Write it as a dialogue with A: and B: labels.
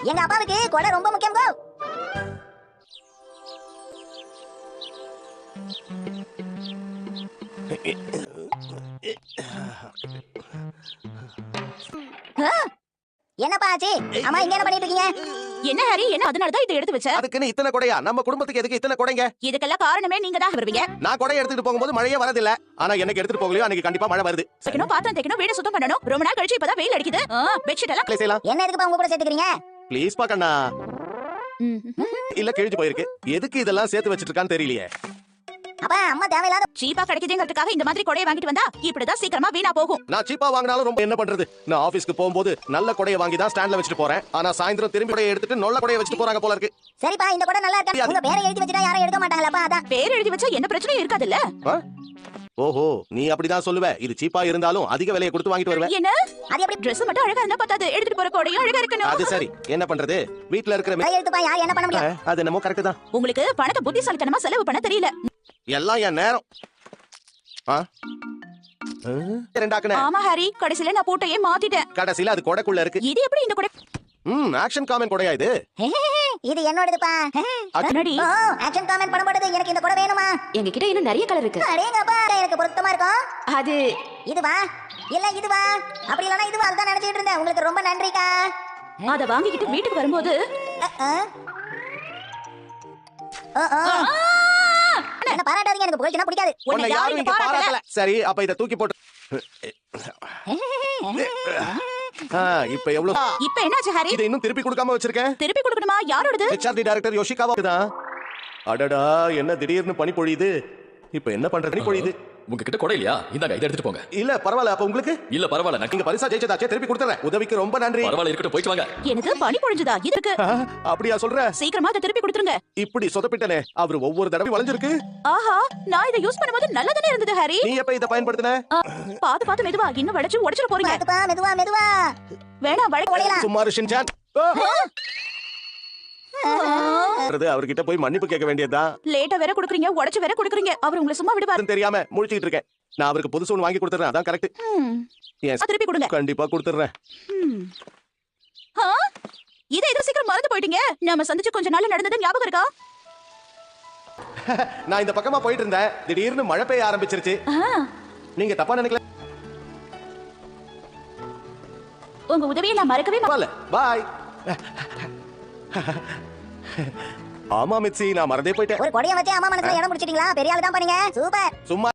A: எங்க அப்பாவுக்கு கொடை ரொம்ப முக்கியம் கோ. என்னப்பா ஆச்சு? அம்மா இங்க என்ன பண்ணிட்டு இருக்கீங்க?
B: என்ன ஹரி, என்ன அதனாலதான் இதை எடுத்து வச்ச?
C: அதுக்குன்னு இத்தனை கொடையா? நம்ம குடும்பத்துக்கு எதுக்கு இத்தனை கொடைங்க?
B: இதுக்கெல்லாம் காரணமே நீங்க தான் வருவீங்க.
C: நான் கொடையை எடுத்துட்டு போகும்போது மழையே வரதில்ல. ஆனா எனக்கு எடுத்துட்டு போகலையோ அன்னைக்கு கண்டிப்பா மழை வருது.
B: சக்கணும், பாத்திரம் தேய்க்கணும், வீடு சுத்தம் பண்ணணும். ரொம்ப நாள் கழிச்சு இப்பதான் வெயில் அடிக்குது. பெட்ஷீட் எல்லாம்
C: செய்யலாம்.
A: என்ன எதுக்குப்பா உங்க கூட சேர்த்துக்கிறீங்க?
C: ப்ளீஸ் பா கண்ணா. இல்ல கிழிஞ்சு போயிருக்கு. எதுக்கு இதெல்லாம் சேர்த்து வச்சிட்டு இருக்கான்னு தெரியலையே.
A: அப்பா அம்மா தேவையில்லாத
B: சீப்பா கிடைக்குதுங்கிறதுக்காக இந்த மாதிரி கொடையை வாங்கிட்டு வந்தா இப்படிதான் சீக்கிரமா வீணா போகும்.
C: நான் சீப்பா வாங்கினாலும் ரொம்ப என்ன பண்றது? நான் ஆபீஸ்க்கு போகும்போது நல்ல கொடையை வாங்கி தான் ஸ்டாண்ட்ல வச்சிட்டு போறேன். ஆனா சாயந்தரம் திரும்பி கொடையை எடுத்துட்டு நல்ல கொடையை வச்சிட்டு போறாங்க போல இருக்கு.
A: சரிப்பா, இந்த கொடை நல்லா இருக்கா? உங்க பேரை எழுதி வச்சிட்டா யாரும் எடுக்க மாட்டாங்களாப்பா? அதான்.
B: பேர் எழுதி வச்சா என்ன பிரச்சனையும் இருக்காதுல்ல.
C: ஓஹோ, நீ அப்படிதான் சொல்லுவ. இது சீப்பா இருந்தாலும் அதிக விலையை கொடுத்து வாங்கிட்டு வருவேன்.
B: என்ன?
A: அது எப்படி?
B: Dress மட்டும் அழகா இருந்தா பத்தாது, எடுத்துட்டு போற கொடையும் அழகா இருக்கணும்.
C: அது சரி, என்ன பண்றது? வீட்ல இருக்கிற
A: எழுத்துப்பா யார் என்ன பண்ண முடியும்?
C: அது என்னமோ கரெக்ட் தான்.
B: உங்களுக்கு பணத்தை புத்திசாலித்தனமா செலவு பண்ண தெரியல.
C: எல்லாம் என் நேரம். ரெண்டாக்குனே.
B: ஆமா ஹரி, கடைசில நான் போட்டையே மாத்திட்டேன்.
C: கடைசில அது கொடைக்குள்ள இருக்கு.
B: இது எப்படி இந்த கொடை?
C: ஆக்ஷன் காமெண்ட் கொடையா இது?
A: இது என்னோடதுப்பா.
B: அடடி.
A: ஆக்ஷன் காமெண்ட் பண்ண போடுது. எனக்கு இந்த கொடை வேணுமா?
D: எங்ககிட்ட இன்னும் நிறைய கலர் இருக்கு.
A: அடேங்கப்பா, எனக்கு பொருத்தமா இருக்கும்.
D: அது
A: இதுவா? இல்ல இதுவா? அப்படி இல்லனா இதுவா? அதுதான் நினைச்சிட்டு இருந்தேன். உங்களுக்கு ரொம்ப நன்றிக்கா.
B: அத வாங்கிக்கிட்டு வீட்டுக்கு வரும்போது
A: என்ன பாராட்டாதீங்க, எனக்கு புகழ்ச்சினா பிடிக்காது.
C: உன்னை யாரும் இங்க பாராட்டல. சரி, அப்ப இத தூக்கி போட்டு. இப்ப எவ்வளவு?
B: இப்ப என்னாச்சு ஹரி?
C: இத இன்னும் திருப்பி கொடுக்காம வச்சிருக்கேன்.
B: திருப்பி கொடுக்கணுமா? யாரோடது?
C: ஹெச்ஆர்டி டைரக்டர் யோஷிகாவா தான். அடடா, என்ன திடீர்னு பனி பொழியுது. இப்ப என்ன பண்றது? பனி பொழியுது.
E: உங்ககிட்ட கொடை இல்லையா? இந்தாங்க, இத எடுத்துட்டு போங்க.
C: இல்ல பரவாயில்ல. அப்ப உங்களுக்கு?
E: இல்ல பரவாயில்ல, நான்
C: நீங்க பரிசா ஜெயிச்சதாச்சே, திருப்பி கொடுத்துறேன். உதவிக்கு ரொம்ப நன்றி.
E: பரவாயில்ல, இருக்கட்டும், போயிட்டு வாங்க.
B: எனக்கு பனி பொழிஞ்சதா? இதுக்கு
C: அப்படியா சொல்ற?
B: சீக்கிரமா அதை திருப்பி கொடுத்துருங்க.
C: இப்படி சொதப்பிட்டனே. அவர் ஒவ்வொரு தடவை வளைஞ்சிருக்கு.
B: ஆஹா, நான் இதை யூஸ் பண்ணும்போது நல்லதானே இருந்தது ஹரி.
C: நீ எப்ப இத பயன்படுத்தின?
B: பாத்து பாத்து மெதுவா, இன்னும் வளைச்சு உடைச்சிட போறீங்க.
A: பாத்துப்பா, மெதுவா மெதுவா.
B: வேணாம், வளைக்கலாம்.
C: சும்மா ஷின்சான். அவர்கிட்ட போய் மன்னிப்பு கேட்க வேண்டியதுதான்.
B: லேட்டா வேற குடுக்குறீங்க, உடைச்சு வேற குடுக்குறீங்க. அவர் உங்களை சும்மா விடுவாரு
C: தெரியாம முழிச்சிட்டு இருக்கேன். நான் அவருக்கு புதுசு ஒன்று வாங்கி கொடுத்துறேன். அதான் கரெக்ட்.
B: திருப்பி கொடுங்க.
C: கண்டிப்பா கொடுத்துறேன்.
B: இதை எதுவும் சீக்கிரம் மறந்து போயிட்டீங்க. நாம சந்திச்சு கொஞ்ச நாள் நடந்தது ஞாபகம் இருக்கா?
C: நான் இந்த பக்கமா போயிட்டு இருந்தேன். திடீர்னு மழை பெய்ய ஆரம்பிச்சிருச்சு. நீங்க தப்பா நினைக்கல.
B: உங்க உதவியை நான் மறக்கவே மாட்டேன்.
C: பாய். ஆமா மிட்சி, நான் மறந்தே போயிட்டேன்.
A: ஒரு கொடையை வச்சு அம்மா மனசுல இடம் பிடிச்சிட்டீங்களா? பெரிய ஆளு தான் பண்ணீங்க. சூப்பர்.
C: சும்மா